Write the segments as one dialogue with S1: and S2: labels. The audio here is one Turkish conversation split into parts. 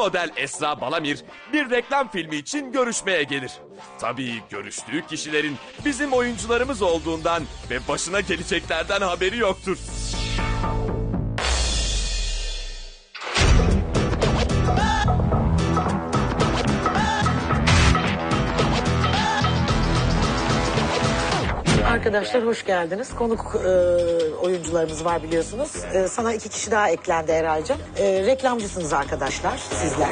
S1: model Esra Balamir bir reklam filmi için görüşmeye gelir. Tabii görüştüğü kişilerin bizim oyuncularımız olduğundan ve başına geleceklerden haberi yoktur.
S2: Arkadaşlar hoş geldiniz. Konuk oyuncularımız var biliyorsunuz. Sana 2 kişi daha eklendi Eray'cığım. Reklamcısınız arkadaşlar sizler.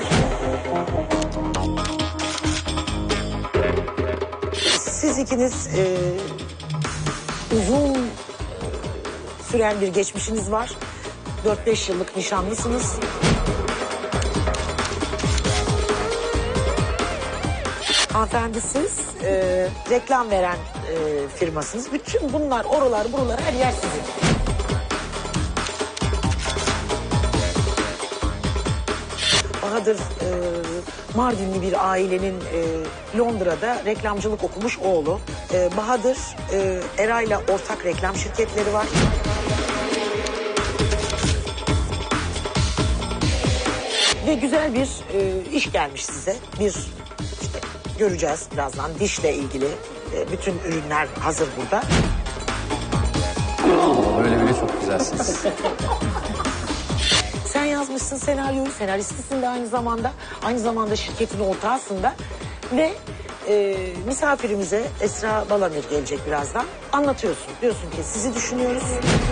S2: Siz ikiniz uzun süren bir geçmişiniz var. 4-5 yıllık nişanlısınız. Hanımefendi siz reklam veren firmasınız. Bütün bunlar, oralar, buralar her yer sizin. Bahadır Mardinli bir ailenin Londra'da reklamcılık okumuş oğlu. Bahadır Eray'la ortak reklam şirketleri var. Ve güzel bir iş gelmiş size. Bir işte göreceğiz birazdan dişle ilgili bütün ürünler hazır burada.
S3: Böyle bile çok güzelsiniz.
S2: Sen yazmışsın senaryoyu, senaristisin de aynı zamanda. Aynı zamanda şirketin ortağısın da. Ve misafirimize Esra Balamir gelecek birazdan. Anlatıyorsun. Diyorsun ki sizi düşünüyoruz.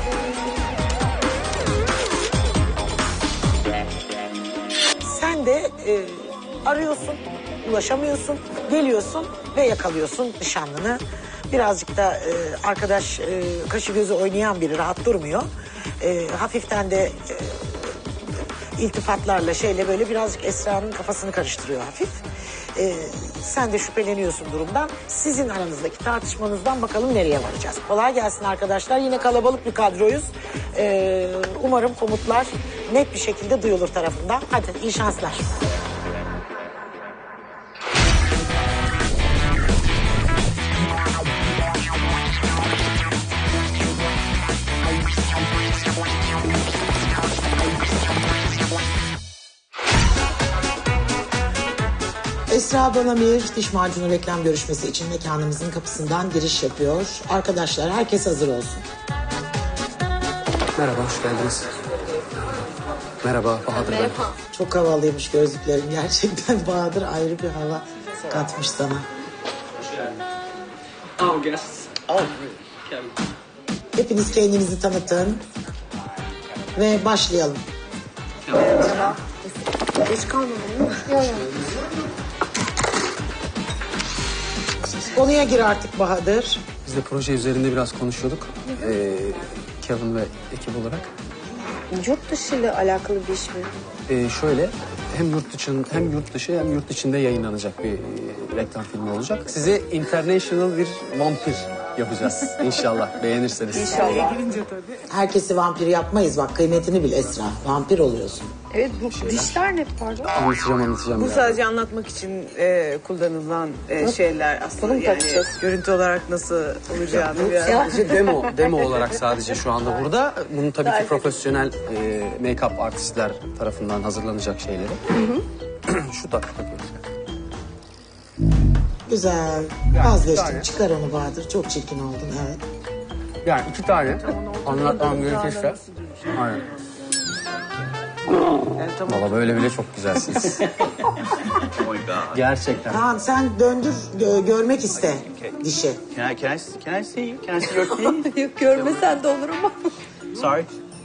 S2: Sen de arıyorsun, ulaşamıyorsun, geliyorsun ve yakalıyorsun nişanlını. Birazcık da arkadaş kaşı gözü oynayan biri, rahat durmuyor. Hafiften de iltifatlarla şeyle böyle birazcık Esra'nın kafasını karıştırıyor hafif. Sen de şüpheleniyorsun durumdan. Sizin aranızdaki tartışmanızdan bakalım nereye varacağız. Kolay gelsin arkadaşlar. Yine kalabalık bir kadroyuz. Umarım komutlar net bir şekilde duyulur tarafından. Hadi iyi şanslar. Esra Balamir diş macunu reklam görüşmesi için mekanımızın kapısından giriş yapıyor. Arkadaşlar herkes hazır olsun.
S3: Merhaba, hoş geldiniz. Merhaba Bahadır ben.
S2: Çok havalıymış gözlüklerin gerçekten. Bahadır ayrı bir hava katmış sana.
S4: Oh, guests. Oh, Kevin.
S2: Hepiniz kendinizi tanıtın. Ve başlayalım. Geç kalmadın mı? Yok. Konuya gir artık Bahadır.
S3: Biz de proje üzerinde biraz konuşuyorduk. Kevin ve ekip olarak.
S5: Yurt dışı ile alakalı bir iş mi?
S3: Şöyle hem yurt dışı hem yurt içinde yayınlanacak bir reklam filmi olacak. Size international bir vampir yapacağız inşallah beğenirseniz.
S5: İnşallah.
S2: Herkesi vampir yapmayız bak, kıymetini bil Esra. Vampir oluyorsun.
S5: Evet, bu dişler ne pardon?
S3: Anlatacağım.
S6: Bu
S3: ya.
S6: sadece anlatmak için kullanılan şeyler aslında
S5: Bunu
S6: yani
S5: takacağız.
S6: görüntü olarak nasıl olacağını biraz.
S3: Sadece demo olarak sadece şu anda burada. Bunun tabii ki profesyonel make-up artistler tarafından hazırlanacak şeyleri. Şu takıyoruz.
S2: Güzel. Vazgeçtim. Çıkar onu Bahadır. Çok çirkin oldun, evet.
S3: Yani 2 tane anlatmam gerekirse. Aynen. Valla böyle bile çok güzelsiniz. Gerçekten.
S2: Tamam sen döndür, görmek iste dişi.
S4: Can I see you? Can I see your teeth?
S5: Yok, görmesen de olur ama.
S4: Sorry.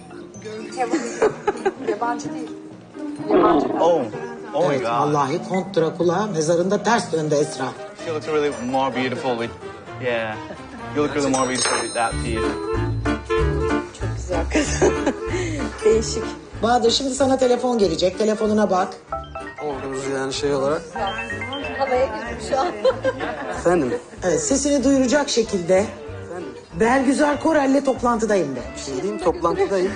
S2: Yabancı değil.
S4: Oh. Oh my
S2: Evet,
S4: God.
S2: vallahi Kont Drakula mezarında ters döndü Esra.
S4: She looks really more beautiful with. Yeah. You look really more beautiful with that teeth.
S5: Çok güzel kız. Değişik.
S2: Bahadır şimdi sana telefon gelecek. Telefonuna bak.
S3: Olduğumuz yani şey olarak.
S5: Havaya girdim şu an.
S3: Efendim?
S2: Evet, sesini duyuracak şekilde Bergüzar Korel'le toplantıdayım de.
S3: Şey diyeyim, toplantıdayım.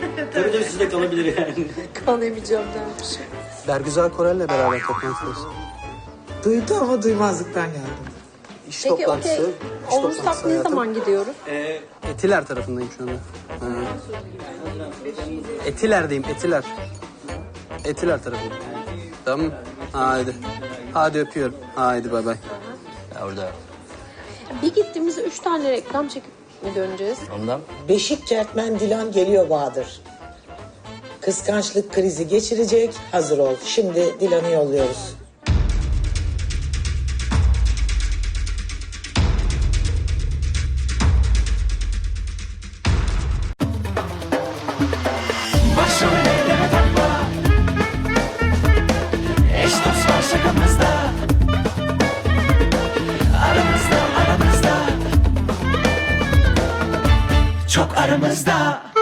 S5: Kalamayacağım dermiş.
S3: Bergüzar Korel'le beraber toplantıdayız.
S2: Duydu ama duymazlıktan geldim.
S3: İş
S5: Peki
S3: toplantısı.
S5: okey.
S3: iş
S5: Olursak
S3: toplantısı
S5: ne
S3: hayatım.
S5: zaman gidiyoruz?
S3: Etiler tarafındayım şu anda. Etiler'deyim, Etiler. Etiler tarafında. Tamam. Haydi. Hadi öpüyorum. Haydi bay bay.
S7: Orada.
S5: Bir gittiğimizde 3 tane reklam çekip mi döneceğiz?
S7: Ondan.
S2: Beşik Kertmen Dilan geliyor Bahadır. Kıskançlık krizi geçirecek. Hazır ol. Şimdi Dilan'ı yolluyoruz.
S8: Başrol eyleme takma. Eş dost var şakamızda. Aramızda aramızda. Çok aramızda.